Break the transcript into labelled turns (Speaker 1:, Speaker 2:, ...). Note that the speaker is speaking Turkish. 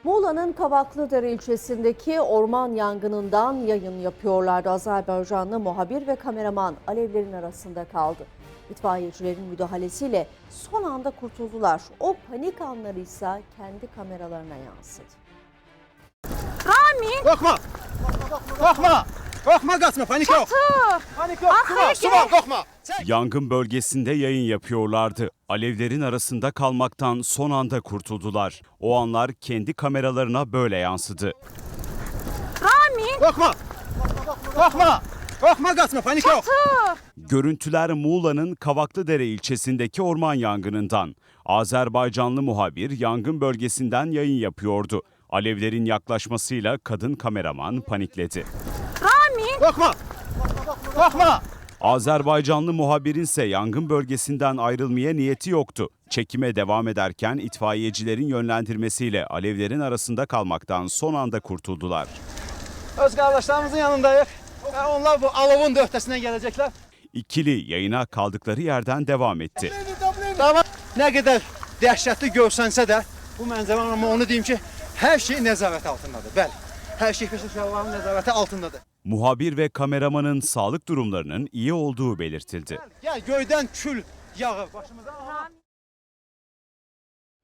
Speaker 1: Muğla'nın Kavaklıdere ilçesindeki orman yangınından yayın yapıyorlardı. Azerbaycanlı muhabir ve kameraman alevlerin arasında kaldı. İtfaiyecilerin müdahalesiyle son anda kurtuldular. O panik anları ise kendi kameralarına yansıdı.
Speaker 2: Rami!
Speaker 3: Korkma! Korkma! Korkma, kaçma, panik yok. Panik yok, su var, korkma.
Speaker 4: Yangın bölgesinde yayın yapıyorlardı. Alevlerin arasında kalmaktan son anda kurtuldular. O anlar kendi kameralarına böyle yansıdı.
Speaker 2: Rami!
Speaker 3: Korkma! Korkma! Korkma, kaçma, panik yok.
Speaker 4: Görüntüler Muğla'nın Kavaklıdere ilçesindeki orman yangınından. Azerbaycanlı muhabir yangın bölgesinden yayın yapıyordu. Alevlerin yaklaşmasıyla kadın kameraman panikledi.
Speaker 2: Rami!
Speaker 3: Korkma! Korkma!
Speaker 4: Azerbaycanlı muhabirin ise yangın bölgesinden ayrılmaya niyeti yoktu. Çekime devam ederken itfaiyecilerin yönlendirmesiyle alevlerin arasında kalmaktan son anda kurtuldular.
Speaker 3: Öz kardeşlerimizin yanındayız. Onlar bu alovun da öhtesinden gelecekler.
Speaker 4: İkili yayına kaldıkları yerden devam etti.
Speaker 3: Tamam. Ne kadar dehşetli görsənsə də bu mənzərə, ama onu diyeyim ki, her şey nəzarət altındadır. Bəli, her şey peşəkarların nəzarəti altındadır.
Speaker 4: Muhabir ve kameramanın sağlık durumlarının iyi olduğu belirtildi.
Speaker 3: Gel, göydən kül yağır başımıza.